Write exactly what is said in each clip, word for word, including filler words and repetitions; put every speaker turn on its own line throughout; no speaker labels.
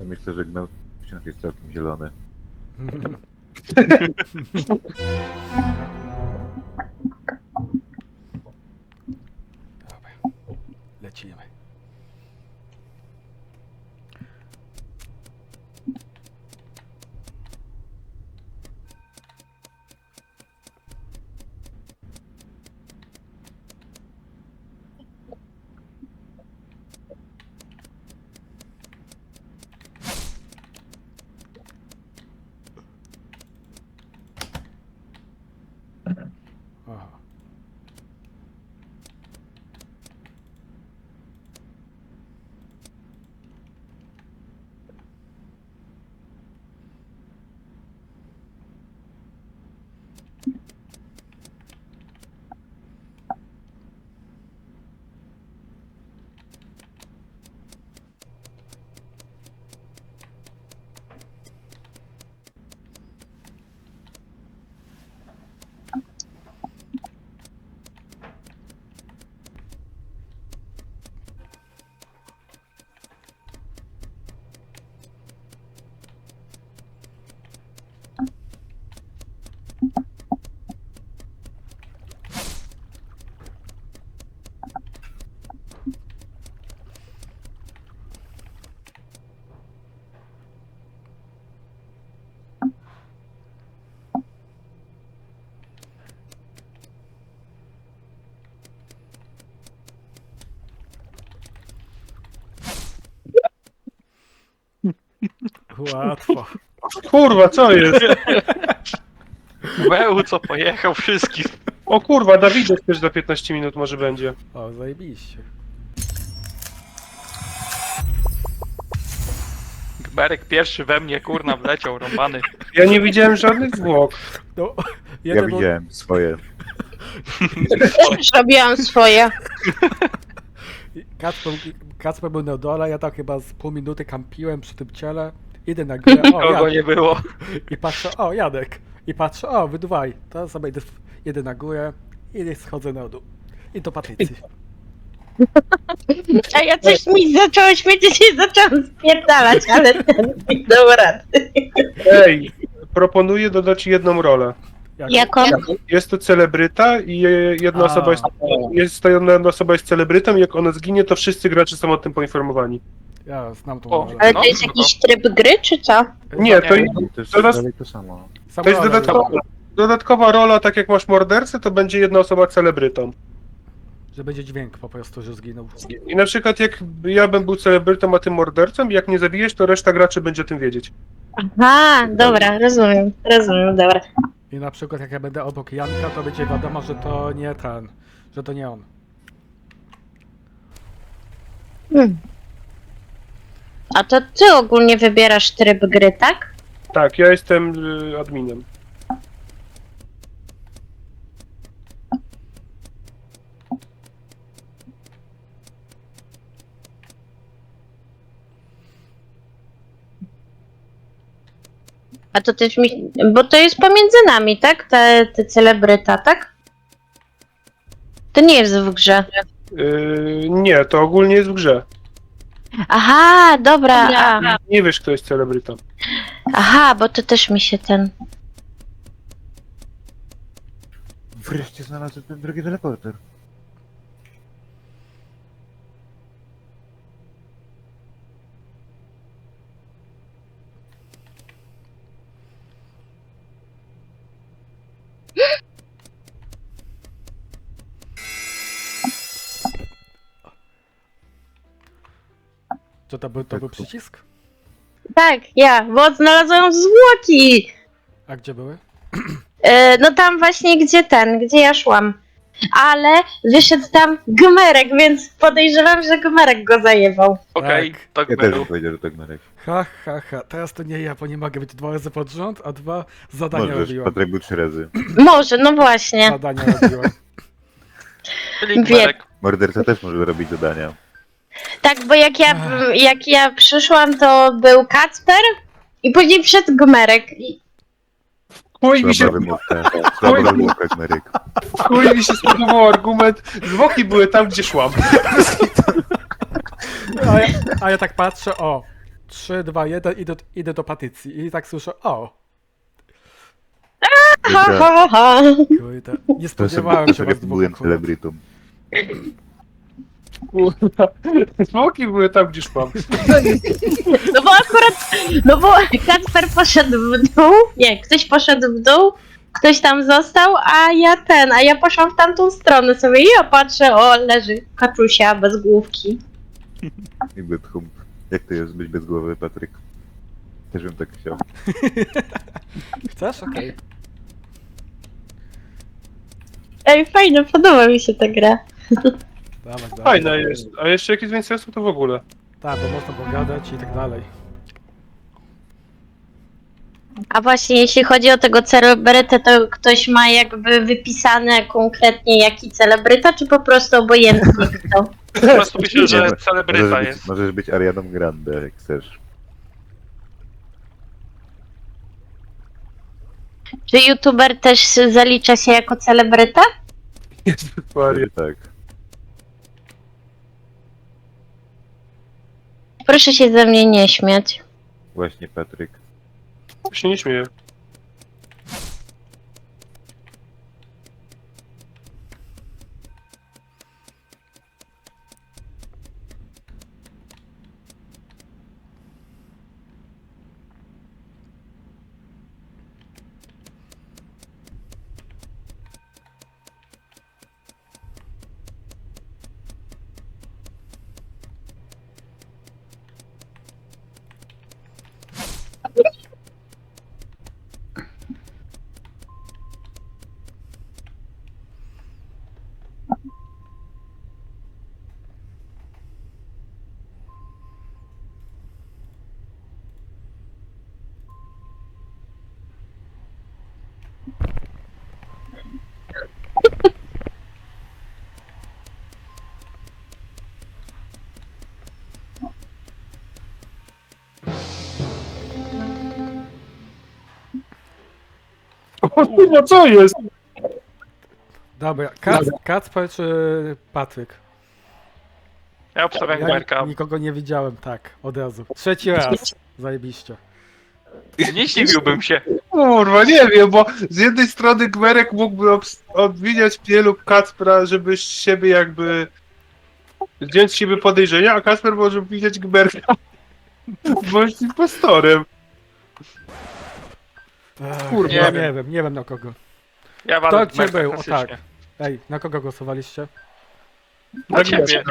Ja myślę, że gnał wciąż jest całkiem zielony.
Dobra, lecimy. Aha. Łatwo.
Kurwa, co jest?
Beł, co pojechał wszystkich.
O kurwa, Dawidek też za piętnaście minut może będzie.
O, zajebiście.
Gmerek pierwszy we mnie, kurna, wleciał, rąbany.
Ja nie widziałem żadnych zwłok.
No,
Ja
jeden był-
widziałem swoje.
Też robiłam swoje.
Kacper, Kacper był na dole, ja tak chyba z pół minuty kampiłem przy tym ciele. Idę na górę, o,
Kogo
Jadek.
nie było.
I patrzę, o, Jadek. I patrzę, o, wy dwaj. To sobie idę, idę na górę i schodzę na dół. I do Patrycji.
A ja coś mi zaczęło świecić i zaczęłam spierdalać, ale ten mi dał rady.
Ej, proponuję dodać jedną rolę.
Jak,
Jaką?
Jest to celebryta i jedna
A.
osoba jest, jest to jedna osoba jest celebrytą i jak ona zginie, to wszyscy gracze są o tym poinformowani.
Ja znam tą
O,
rolę.
Ale
No,
to jest
no.
jakiś tryb gry, czy co?
Nie, to,
Nie.
To jest
Zaraz-
dalej to samo.
Sam
to jest
rolę,
dodatkowa, dodatkowa rola, tak jak masz mordercę, to będzie jedna osoba celebrytą.
że będzie dźwięk po prostu, że zginął.
I na przykład jak ja bym był celebrytą, a ty mordercą, jak nie zabijesz, to reszta graczy będzie o tym wiedzieć.
Aha, dobra, rozumiem, rozumiem, dobra.
I na przykład jak ja będę obok Janka, to będzie wiadomo, że to nie ten, że to nie on.
Hmm. A to ty ogólnie wybierasz tryb gry, tak?
Tak, ja jestem y, adminem.
A to też mi... Bo to jest pomiędzy nami, tak? Te, te celebryta, tak? To nie jest w grze.
Y, nie, to ogólnie jest w grze.
Aha, dobra. A,
Nie wiesz, kto jest celebrytą.
aha, bo to też mi się ten...
Wreszcie znalazłem ten drugi teleporter.
Co to był, to był przycisk?
Tak, ja, bo znalazłam zwłoki.
A gdzie były?
E, no tam właśnie, gdzie ten, gdzie ja szłam. Ale wyszedł tam Gmerek, więc podejrzewam, że Gmerek go zajebał.
Okej,
Tak.
tak
Ja też
był.
bym powiedział, że to Gmerek.
Ha, ha, ha. Teraz to nie ja, bo nie mogę być dwa razy pod rząd, a dwa zadania
Możesz,
robiłem.
Patryk był trzy razy.
Może, no właśnie.
Zadania robiłem.
Czyli
Wie-
Gmerek.
Morderca też może robić zadania.
Tak, bo jak ja, jak ja przyszłam, to był Kacper i później wszedł Gmerek. I...
Chuj mi się,
Słaba wymówka. Słaba wymówka, Gmerek.
chuj mi się spodobał argument. Zwłoki były tam, gdzie szłam.
A ja, a ja tak patrzę, o, trzy, dwa, jeden, idę, idę do Patrycji. I tak słyszę, o,
Ha, ha, ha.
kurde, nie spodziewałem się was dwóch
byłem
akurat.
celebrytą.
Kurwa. Smoki były tam, gdzie szłam.
No bo akurat, no bo Kacper poszedł w dół, nie, ktoś poszedł w dół, ktoś tam został, a ja ten, a ja poszłam w tamtą stronę sobie i ja patrzę, o, leży kaczusia bez główki.
I Bythum. Jak to jest być bez głowy, Patryk? Też bym tak chciał.
Chcesz? Okej.
Ej, fajne, podoba mi się ta gra.
Dawaj, dawaj.
Fajna jest. A jeszcze jak jest więcej sensu, to w ogóle.
Tak, bo można pogadać i tak dalej.
A właśnie, jeśli chodzi o tego celebrytę, to ktoś ma jakby wypisane konkretnie jaki celebryta, czy po prostu obojętnie kto?
Po prostu myślę,
Nie,
że
możesz
celebryta
być,
jest.
Możesz być Arianą Grande, jak chcesz.
Czy youtuber też zalicza się jako celebryta?
Maria.
Tak.
Proszę się ze mnie nie śmiać.
Właśnie, Patryk.
Się nie śmieję. O kurwa, co jest?
Dobra, Kac, Kacper czy Patryk?
Ja obstawiam
Ja
Gmerka.
nikogo nie widziałem, tak, od razu. Trzeci raz. Zajebiście.
Nie zdziwiłbym się.
Kurwa, nie wiem, bo z jednej strony Gmerek mógłby obs- obwiniać mnie lub Kacpra, żeby z siebie jakby zdjąć z siebie podejrzenia, a Kacper może widzieć Gmerka, bo jest impostorem.
Ech,
Kurwa.
ja
Nie
nie
wiem.
wiem, nie wiem na kogo.
Ja
Kto
walę
cię
Gmerka
był? O
klasycznie.
tak. Ej, na kogo głosowaliście?
Na ciebie.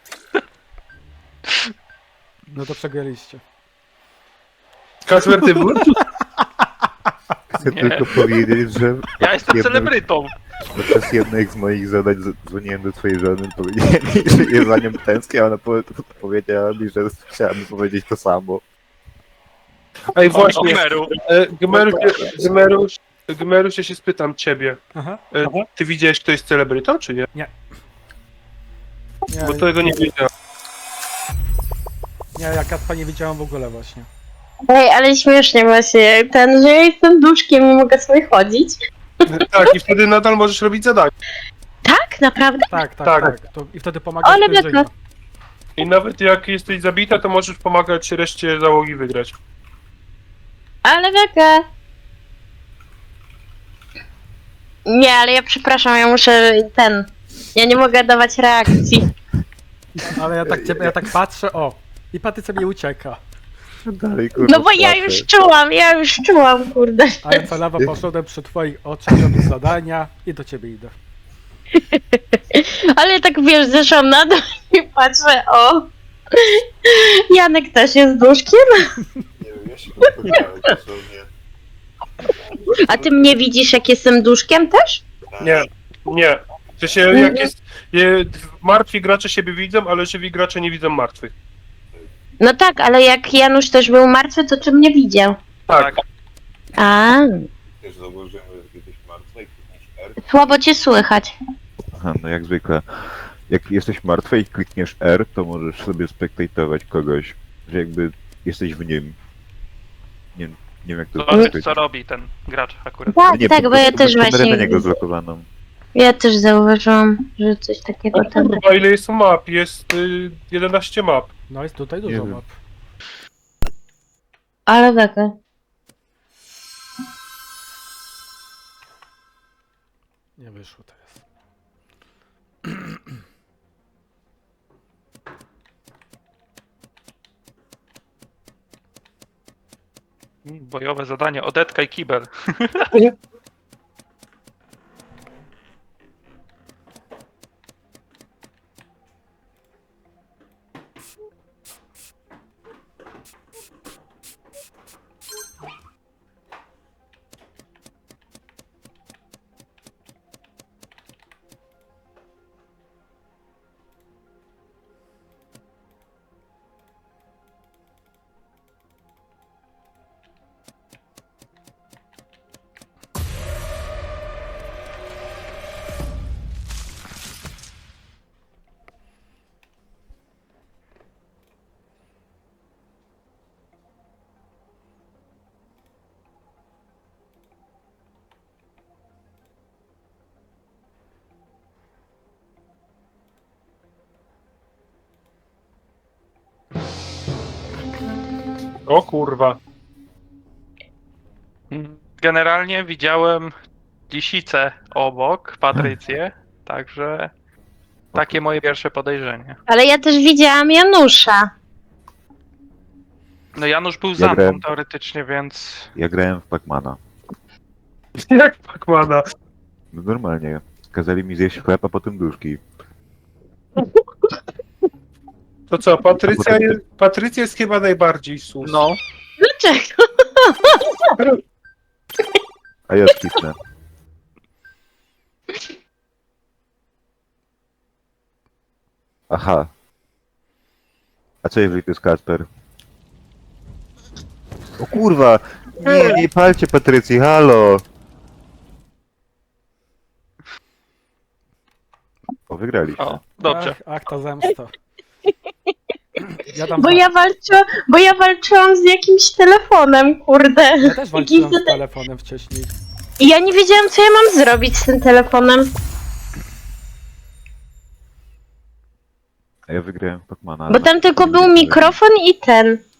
No to przegraliście.
Kacper, ty był?
Chcę
Nie.
tylko powiedzieć, że
Ja jestem
Jedno-
celebrytą.
podczas jednych z moich zadań z- dzwoniłem do twojej żony, powiedziałem jej, że jest za nią tęsknię, a ona po- powiedziała mi, że chciałem powiedzieć to samo.
Ej,
O
właśnie,
Gmeru.
e, Gmeru, Gmeru, Gmeru, ja się spytam ciebie.
Aha.
E, ty widziałeś, kto jest celebrytą, czy nie?
Nie,
Bo tego nie wiedziałem.
nie, ja Kacpa nie widziałem w ogóle właśnie.
Ej, ale śmiesznie właśnie, ten, że ja jestem duszkiem i mogę sobie chodzić.
Tak, i wtedy nadal możesz robić zadania.
Tak, naprawdę?
Tak, tak,
Tak.
tak. To, I wtedy pomaga
Ale
sprężyna.
beka.
I nawet jak jesteś zabita, to możesz pomagać reszcie załogi wygrać.
Ale wege. Nie, ale ja przepraszam, ja muszę ten. Ja nie mogę dawać reakcji.
Ale ja tak, ciebie, ja tak patrzę, o. I Patrycja mi ucieka.
Dalej, kurwa,
No bo ja
płaczę.
już czułam, ja już czułam, kurde.
A ja celowo poszedłem przy twoich oczach robić zadania i do ciebie idę.
Ale tak wiesz, zeszłam na dół i patrzę, o. Janek też jest duszkiem.
Nie wiem, ja się podpowiadałem dosłownie.
A ty mnie widzisz, jak jestem duszkiem też?
Nie, nie. W sensie, jak jest... Je, martwi gracze siebie widzą, ale żywi gracze nie widzą martwych.
No tak, ale jak Janusz też był martwy, to czy mnie widział?
Tak.
A,
Też zauważyłem, że jesteś martwy i klikniesz R.
słabo cię słychać.
Aha, no jak zwykle. Jak jesteś martwy i klikniesz R, to możesz sobie spektatować kogoś, że jakby jesteś w nim. Nie, nie wiem jak to
Zobaczyć,
powiedzieć.
co robi ten gracz akurat.
Tak,
Nie,
tak,
po
bo ja
prostu
też
masz kamerę
właśnie.
na niego zlokowaną.
Ja też zauważyłam, że coś takiego tam.
Kurwa, ile jest map? Jest y, jedenaście map.
No jest tutaj
Nie
dużo
wiem.
map.
Ale bekę.
Nie wyszło teraz.
Bojowe zadanie, odetka i kibel.
O kurwa.
Generalnie widziałem lisicę obok, Patrycję, także takie moje pierwsze podejrzenie.
Ale ja też widziałam Janusza.
No Janusz był
Ja
za mną
grałem-
teoretycznie, więc
Ja grałem w Pacmana.
Jak Pacmana?
No normalnie. Kazali mi zjeść chleb, a potem duszki.
To co, Patrycja jest, Patrycja jest chyba najbardziej sus.
no.
Dlaczego?
A ja skipnę. Aha. A co jeżeli to jest Kacper? O kurwa! Nie, nie palcie Patrycji, halo! O, wygraliśmy.
O, dobrze.
Ach, ach ta zemsta. Ja tam
Bo
za-
ja walczyłam, bo ja walczyłam z jakimś telefonem, kurde.
ja też walczyłem
Jakiś
z telefonem wcześniej.
I ja nie wiedziałam, co ja mam zrobić z tym telefonem.
A ja wygrałem w Pacmana.
Bo tam tylko był mikrofon i ten.